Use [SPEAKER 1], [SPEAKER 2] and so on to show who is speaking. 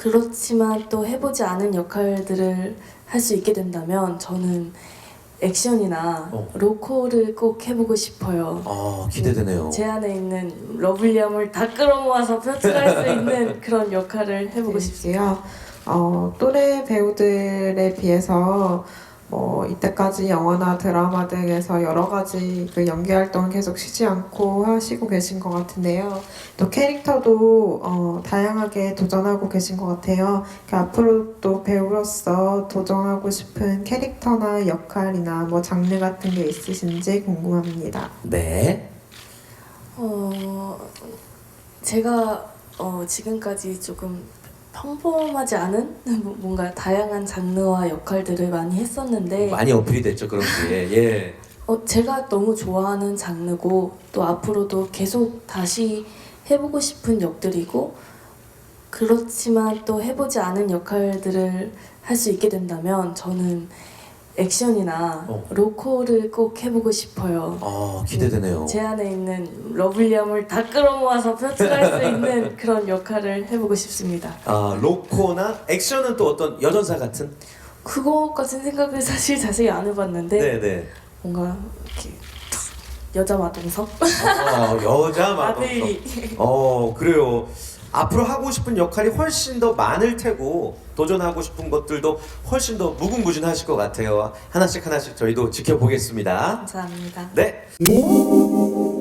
[SPEAKER 1] 그렇지만 또 해보지 않은 역할들을 할 수 있게 된다면 저는 액션이나 로코를 꼭 해보고 싶어요.
[SPEAKER 2] 아, 기대되네요.
[SPEAKER 1] 제 안에 있는 러블리함을 다 끌어모아서 표출할 수 있는 그런 역할을 해보고 싶습니다.
[SPEAKER 3] 또래 배우들에 비해서 이때까지 영화나 드라마 등에서 여러 가지 그 연기 활동을 계속 쉬지 않고 하시고 계신 것 같은데요. 또 캐릭터도 다양하게 도전하고 계신 것 같아요. 앞으로 또 배우로서 도전하고 싶은 캐릭터나 역할이나 뭐 장르 같은 게 있으신지 궁금합니다.
[SPEAKER 2] 네.
[SPEAKER 1] 제가 지금까지 조금 평범하지 않은 뭔가 다양한 장르와 역할들을 많이 했었는데
[SPEAKER 2] 많이 어필이 됐죠, 그런 게. 예.
[SPEAKER 1] 제가 너무 좋아하는 장르고 또 앞으로도 계속 다시 해보고 싶은 역들이고 그렇지만 또 해보지 않은 역할들을 할 수 있게 된다면 저는 액션이나 로코를 꼭 해보고 싶어요.
[SPEAKER 2] 아, 기대되네요.
[SPEAKER 1] 제 안에 있는 러블리함을 다 끌어모아서 표출할 수 있는 그런 역할을 해보고 싶습니다.
[SPEAKER 2] 아, 로코나 액션은 또 어떤 여전사 같은?
[SPEAKER 1] 그거까진 생각을 사실 자세히 안 해봤는데
[SPEAKER 2] 네네.
[SPEAKER 1] 뭔가 이렇게 여자 마동석?
[SPEAKER 2] 여자 마법사.
[SPEAKER 1] 아들이
[SPEAKER 2] 그래요. 앞으로 하고 싶은 역할이 훨씬 더 많을 테고 도전하고 싶은 것들도 훨씬 더 무궁무진하실 것 같아요. 하나씩 저희도 지켜보겠습니다.
[SPEAKER 1] 감사합니다.
[SPEAKER 2] 네.